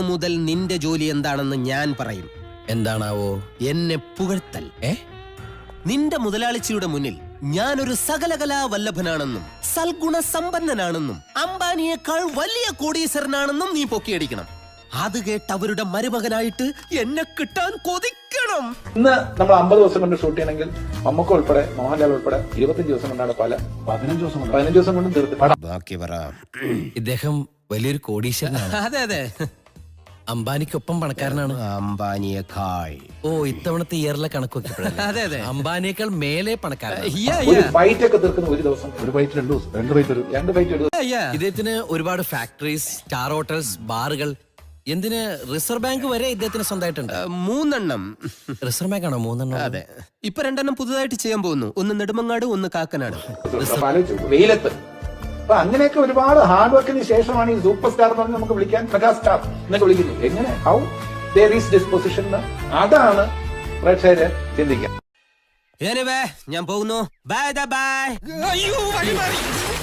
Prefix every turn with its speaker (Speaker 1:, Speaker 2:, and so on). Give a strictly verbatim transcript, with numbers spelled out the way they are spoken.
Speaker 1: മുതൽ നിന്റെ ജോലി എന്താണെന്ന് ഞാൻ പറയും.
Speaker 2: എന്താണാവോ?
Speaker 1: എന്നെ പുകഴ്ത്തൽ.
Speaker 2: ഏ
Speaker 1: നിന്റെ മുതലാളിച്ചിയുടെ മുന്നിൽ ഞാനൊരു സകലകലാ വല്ലഭനാണെന്നും സൽഗുണ സമ്പന്നനാണെന്നും അംബാനിയേക്കാൾ വലിയ കോടീശ്വരനാണെന്നും നീ പൊക്കിയടിക്കണം. അത് കേട്ട് അവരുടെ മരുമകനായിട്ട് എന്നെ കിട്ടാൻ കൊതിക്കണം.
Speaker 3: ഇന്ന് നമ്മൾ അമ്പത് ദിവസം കൊണ്ട് ഷൂട്ട് ചെയ്യണമെങ്കിൽ മമ്മൂക്ക ഉൾപ്പെടെ മോഹൻലാൽ ഉൾപ്പെടെ ഇരുപത്തിയഞ്ച് ദിവസം കൊണ്ടാണ് പല പതിനഞ്ച് ദിവസം കൊണ്ട് പതിനഞ്ച് ദിവസം കൊണ്ടും തീർത്ത്.
Speaker 1: ബാക്കി പറ.
Speaker 2: ഇദ്ദേഹം വലിയൊരു കോടീശ്വരനാണ്.
Speaker 1: അതെ അതെ,
Speaker 2: അംബാനിക്കൊപ്പം പണക്കാരനാണ്.
Speaker 1: അംബാനിയേക്കാൾ.
Speaker 2: ഓ, ഇത്തവണത്തെ ഇയറിലെ കണക്ക്
Speaker 1: അതെ അതെ,
Speaker 2: അംബാനിയേക്കാൾ മേലെ പണക്കാരനാണ്.
Speaker 3: ഒരു ഫൈറ്റ് ഒക്കെ തീർക്കുന്ന ഒരു ദിവസം ഒരു ഫൈറ്റ് രണ്ട് ദിവസം രണ്ട് ഫൈറ്റ് ഒരു രണ്ട് ഫൈറ്റ് ഒരു ദിവസം.
Speaker 2: ഇദ്ദേഹത്തിന് ഒരുപാട് ഫാക്ടറീസ്, സ്റ്റാർ ഹോട്ടൽസ്, ബാറുകൾ, എന്തിന് റിസർവ് ബാങ്ക് വരെ ഇദ്ദേഹത്തിന് സ്വന്തമായിട്ടുണ്ട്.
Speaker 1: മൂന്നെണ്ണം.
Speaker 2: റിസർവ് ബാങ്ക് ആണോ മൂന്നെണ്ണം?
Speaker 1: അതെ, ഇപ്പൊ രണ്ടെണ്ണം പുതുതായിട്ട് ചെയ്യാൻ പോകുന്നു. ഒന്ന് നെടുമങ്ങാട്, ഒന്ന് കാക്കനാട്.
Speaker 3: വെയിലത്ത്. അപ്പൊ അങ്ങനെയൊക്കെ ഒരുപാട് ഹാർഡ് വർക്കിന് ശേഷമാണ് ഈ സൂപ്പർ സ്റ്റാർ എന്ന് പറഞ്ഞ് നമുക്ക് വിളിക്കാൻ മെഗാ സ്റ്റാർ എന്നൊക്കെ വിളിക്കുന്നു. എങ്ങനെ ഹൗ ദർ ഈസ് ഡിസ്പൊസിഷൻ, അതാണ് പ്രേക്ഷകര് ചിന്തിക്കുക.
Speaker 1: ഞാൻ പോകുന്നു. Bye by.